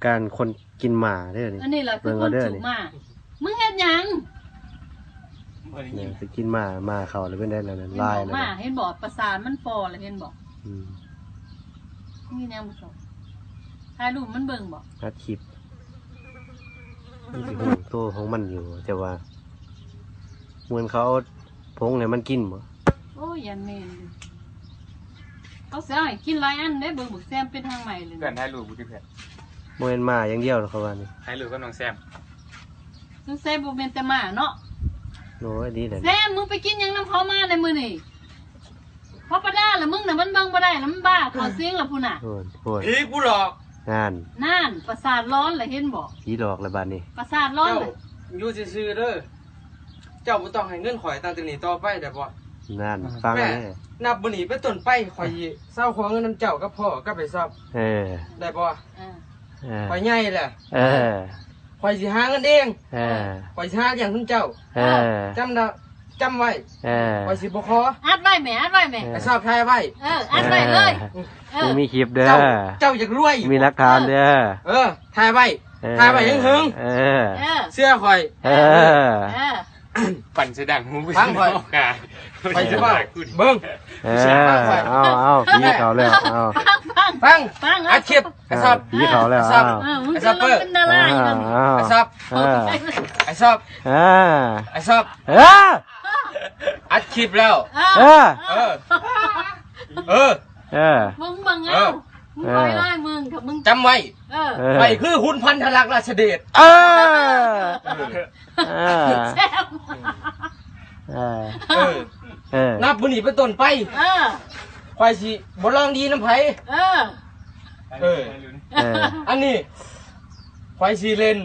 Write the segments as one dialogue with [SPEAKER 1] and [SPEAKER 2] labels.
[SPEAKER 1] การคนกินหมาเด้อนี่
[SPEAKER 2] อันนี้แหละคือคนจุกมามึงเฮ็ดหยัง
[SPEAKER 1] เนี่ยจะกินหมาเขาแล้วเป็นได้แล้วนั่นลายแล้ว
[SPEAKER 2] มาเห็นบอกประสานมันฟอแล้วเห็นบอกนี่แนวมุสลิมถ่ายรูปมันเบิ่งบอก
[SPEAKER 1] อัดคลิปนี่สิหูโตของมันอยู่แต่ว่าเหมือนเขาพงเนี่ยมันกินบ่
[SPEAKER 2] โอ้ยยันเมนเขาเสียให้กินหลายอันได้เบิ่งบุกแซมเป็นทางใหม่เลย
[SPEAKER 3] เพื่อนถ่ายรูปกูที่เพื่อน
[SPEAKER 1] โมเมนมาอย่างเดียวหรอกเขาว่านี่
[SPEAKER 3] ถ่ายรูปกับน้องแซม
[SPEAKER 2] น้องแซมบ่เป็นแต่มาเนาะ
[SPEAKER 1] โน้ยดีเลย
[SPEAKER 2] แซมมึงไปกินยังน้ำเขามาในมือนี่เพราะปะด้าละมึงน่ะมันเบิ่งบ่ได้แล้วมันบ้าขอเสียงละพุ่นน่ะ
[SPEAKER 3] ผีกูหลอก
[SPEAKER 1] นั่น
[SPEAKER 2] ประสาทร้อนเลยเห็นบอก
[SPEAKER 1] ผีหลอกแล้วบ้านนี้
[SPEAKER 2] ประสาทร้อนเลย
[SPEAKER 4] อยู่ซื่อๆเด้อเจ้าบ่ต้องให้เงินข่อยตั้งแต่นี้ต่อไปได้บ่
[SPEAKER 1] นั่นฟังเลย
[SPEAKER 4] นับบ่นี้เป็นต้นไปข่อยเศร้าขอเงินนำเจ้ากับพ่อกับไปซับได้บ่ข่อยใหญ่แหละข่อยสิหาเงินเองข่อยสิหาอย่างคุณเจ้าจำไว้ข่อยสิบ่ขอ
[SPEAKER 2] อัดไว้แม่อัดไว้แม่
[SPEAKER 4] ไอ้ซับถ่ายไว้
[SPEAKER 2] อัดไว้เลย
[SPEAKER 1] มึงมีคลิปเด้อ
[SPEAKER 4] เจ้าอยากรวย
[SPEAKER 1] มีหลักฐานเด้
[SPEAKER 4] อถ่ายไว้หึงเสื้อข่อย
[SPEAKER 3] ปั่นเสดังมึง
[SPEAKER 4] ฟังข่อยไปสิว่าเบิ่ง
[SPEAKER 1] เอาผีเขาแล้ว
[SPEAKER 4] ฟังอัดคลิปไอ้ซับ
[SPEAKER 1] ผีเขาแล้ว
[SPEAKER 2] ไอ้ซับเปิ้ล
[SPEAKER 4] ไอ้ซับไอ้ซับไอ้ซับอัดคลิปแล้ว
[SPEAKER 2] มึงบังเอามึงคอยไล่มึงถ้ามึง
[SPEAKER 4] จำไว้ไปคือหุ่นพันธลักษณ์ราชเดชนับบุญนี่เป็นต้นไปควายสิบ่ลองดีน้ำไผ่อันนี้ควายสิเล่น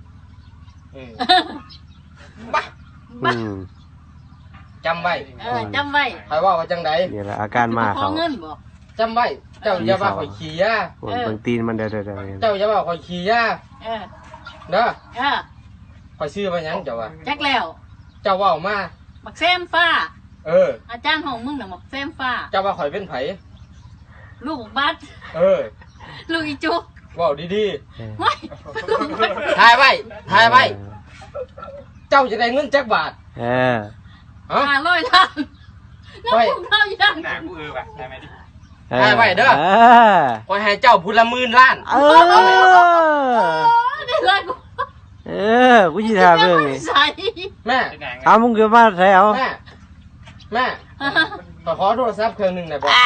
[SPEAKER 4] บ้าจำไว้ใครว่าจังได
[SPEAKER 1] นี่แหละอาการมาเขา
[SPEAKER 4] จำไว้เจ้าอย่าว่าข่อยขี้ยา
[SPEAKER 1] บางตีนมันเด้อ
[SPEAKER 4] เจ้าอย่าว่าข่อยขี้ยาเด้อข่อยซื้อมาหยังเจ้าว่า
[SPEAKER 2] แจ็คแล้ว
[SPEAKER 4] เจ้าว่ามา
[SPEAKER 2] บักแซมฟ้าอาจารย์ของมึงน่ะบักแซมฟ้า
[SPEAKER 4] เจ้าว่าข่อยเป็นไผ
[SPEAKER 2] ลูกบัดลูกอีจุก
[SPEAKER 4] ว้าวดี
[SPEAKER 2] ๆไม่
[SPEAKER 4] ถ่ายไว้เจ้าจะได้เงินจักบาท
[SPEAKER 2] 500 ล้านน้องพวกเรายัง
[SPEAKER 3] หน้ากูว่ะได้ไหมดิ
[SPEAKER 4] ถ่ายไว้เด้อข่อยให้เจ้าพูดละ10,000 ล้าน
[SPEAKER 2] ได้เลย
[SPEAKER 1] กูชี้ทางเรื่องนี้
[SPEAKER 4] แม่
[SPEAKER 1] มึงเกิดมาใส่เอา
[SPEAKER 4] แม่ขอโทรศัพท์เครื่องนึงหน่อยบอก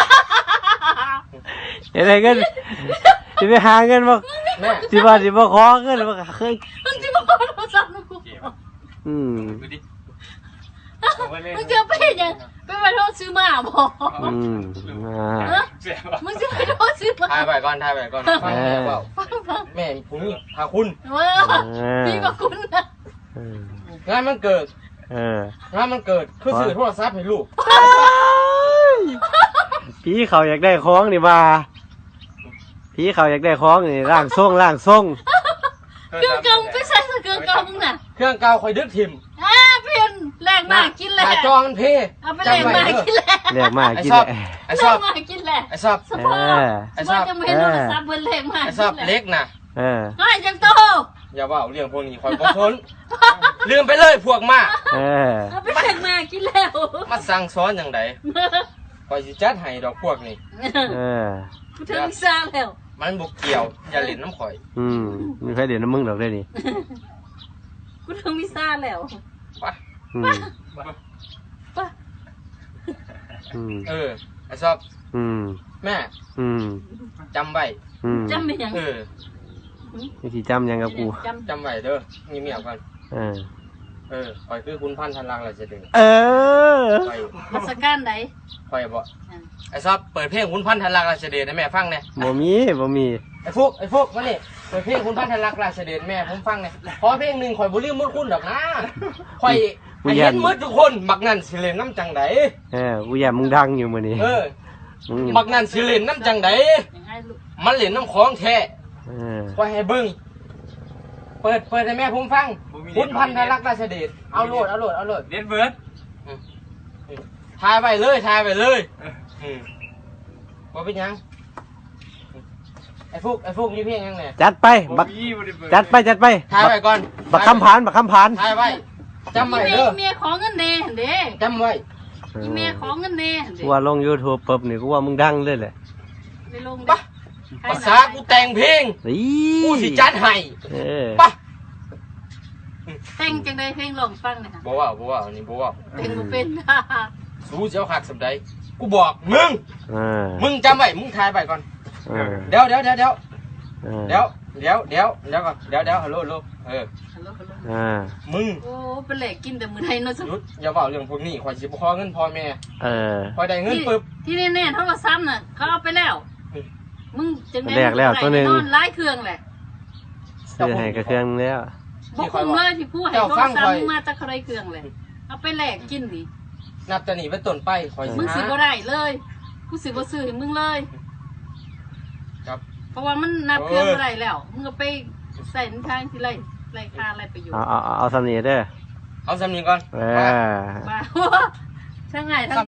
[SPEAKER 1] อะไรกันจะไปหาเงินมา
[SPEAKER 4] แม่
[SPEAKER 1] สิบ่ขอเงินมาเคย
[SPEAKER 2] จะมาขอโทรศัพท์มึงมึงจะไปยังไปมาโทษซื้อมาบอกมึงจะไปโทษซื้อมา
[SPEAKER 4] ถ่ายไปก่อนฟังแม่เปล่าแม่ผมพาคุณ
[SPEAKER 2] พี่กับคุณนะ
[SPEAKER 4] งานมันเกิดคือซื้อโทรศัพท์ให้ลูก
[SPEAKER 1] พี่เขาอยากได้ของนี่มาพี่เขาอยากได้ของนี่ร่างทรง
[SPEAKER 2] เครื่องเก่าไปใส่เครื่องเก่ามึงน่ะ
[SPEAKER 4] เครื่องเก่าคอยดึกถิ่ม
[SPEAKER 2] เพี้ยนแรงมากกินแหละ
[SPEAKER 4] จอมันเพ่
[SPEAKER 2] เอาไปแรงมากกินแหละ
[SPEAKER 1] แรงมากกินแหละ
[SPEAKER 4] ไอ้ซับ
[SPEAKER 2] กินแหละ
[SPEAKER 4] ไอ้ซับ
[SPEAKER 2] จะไม่รู้ซับเบิ้ลแรงมาก
[SPEAKER 4] ไอ้ซับเล็กนะ
[SPEAKER 2] ให้จังโต
[SPEAKER 4] อย่าว่าเรื่องพวกนี้คอยบ่ทนลืมไปเลยพวกมา
[SPEAKER 2] เอาไปแรงมากกินแล้ว
[SPEAKER 4] มาสั่งซ้อนอย่างไรคอยสิจัดให้ดอกพวกนี้
[SPEAKER 2] กูถึงซาแล้ว
[SPEAKER 4] มันบุกเกี่ยวอย่าเล่นน้ำข่อย
[SPEAKER 1] มีใครเล่นน้ำมึงหรอกได้ดิ
[SPEAKER 2] กูถึงมิซ่าแล้ว
[SPEAKER 4] ไปไอ้ชอบแม่จำไว้
[SPEAKER 2] จำไม่ยัง
[SPEAKER 1] วิธีจำยังกับกู
[SPEAKER 4] จำไว้เด้อมีเมียกันคอยคือคุณพันธันลังอะไรจะดึง
[SPEAKER 2] มาสกันไหน
[SPEAKER 4] คอยบอกไอ้ชอบเปิดเพลงคุณพันธันลังราชเดชให้แม่ฟังเนี่ย
[SPEAKER 1] บ่มี
[SPEAKER 4] ไอ้ฟุกมาเนี่ยเปิดเพลงคุณพันธันลังราชเดชแม่ผมฟังเนี่ยขอเพลงหนึ่งคอยบุรีมุดคุณดอกนะคอยเห็นมืดทุกคนบักนั่นสิเลนน้ำจังได
[SPEAKER 1] กูอยากมึงดังอยู่มื้อนี้
[SPEAKER 4] บักนั่นสิเลนน้ำจังไดมันเล่นน้ำของแท้คอยให้เบิ้งเปิดให้แม่ผมฟังคุณพันธันลังราชเดชเอาโหลด
[SPEAKER 3] เล่นเบิร์ด
[SPEAKER 4] ถ่ายไปเลยว่าเป็นยังไอ้ไอ้ฟุกนี่เพลงยังไง
[SPEAKER 1] จัดไปบักจัดไป
[SPEAKER 4] ถ่ายไว้ก่อน
[SPEAKER 1] บักคำผาน
[SPEAKER 4] ถ่ายไว้จำไว้เด้อ
[SPEAKER 2] เมียของเงินเด้เด้
[SPEAKER 4] จำไว้
[SPEAKER 2] อีเมียของเงินเด้เด้
[SPEAKER 1] กูว่าลง YouTube ปุ๊บนี่กูว่ามึงดังเลยแหละ
[SPEAKER 2] ไปลง
[SPEAKER 4] ปะภาษากูแต่งเพลง
[SPEAKER 1] นี่
[SPEAKER 4] กูสิจัดให้
[SPEAKER 1] เออ
[SPEAKER 4] ปะ
[SPEAKER 2] แต่งจังไดเพลงลองฟังหน่อยค่ะ
[SPEAKER 4] บ่ว่าอันนี้บ่ว่า
[SPEAKER 2] เพลงบ่เป็น
[SPEAKER 4] สู้เจ้าหักสำใดกูบอกมึง
[SPEAKER 1] อ่า
[SPEAKER 4] มึงจำไว้มึงถ่ายไว้ก่อน
[SPEAKER 1] อ่า
[SPEAKER 4] เดี๋ยวก่อนฮัลโหล
[SPEAKER 2] ฮัลโหล
[SPEAKER 1] อ่า
[SPEAKER 4] มึง
[SPEAKER 2] โอ้เป็นแหลกกินแต่มื้อใดเนาะ
[SPEAKER 4] หยุดอย่าบอกเรื่องพวกนี้ข่อยสิบ่ขอเงินพ่อแม่
[SPEAKER 1] เออ
[SPEAKER 4] ข่อยได้เงินปึ๊บ
[SPEAKER 2] ที่แน่ๆโทรศัพท์น่ะเขาเอาไปแล้ว มึงจังได๋
[SPEAKER 1] แลกแล้วตัวหนึ่ง
[SPEAKER 2] นอนหลายเครื่องแหละ
[SPEAKER 1] ซื้อให้กับเครื่องแล้ว
[SPEAKER 2] บ่คุ้มเลยที่ผู้ให้โทรศัพท์มึงมาจากใครเครื่องแหละเอาไปแลกกินดิ
[SPEAKER 4] นับแต่นี้เป็นต้นไปข่อยสิ
[SPEAKER 2] มึงสิ
[SPEAKER 4] หา
[SPEAKER 2] บ่ได้เลยกูสิบ่ซื้อให้มึงเลย
[SPEAKER 4] ครับ
[SPEAKER 2] เพราะว่ามันนับเครื่องบ่ได้แล้ว มึงก็ไปใส่ในทางที่ไรค่าไรประโยชน์
[SPEAKER 1] เอาสำเนียงเด้อ
[SPEAKER 4] เอาสำนีก่อน
[SPEAKER 1] เออ
[SPEAKER 2] บ้า ช่างไงทั้ง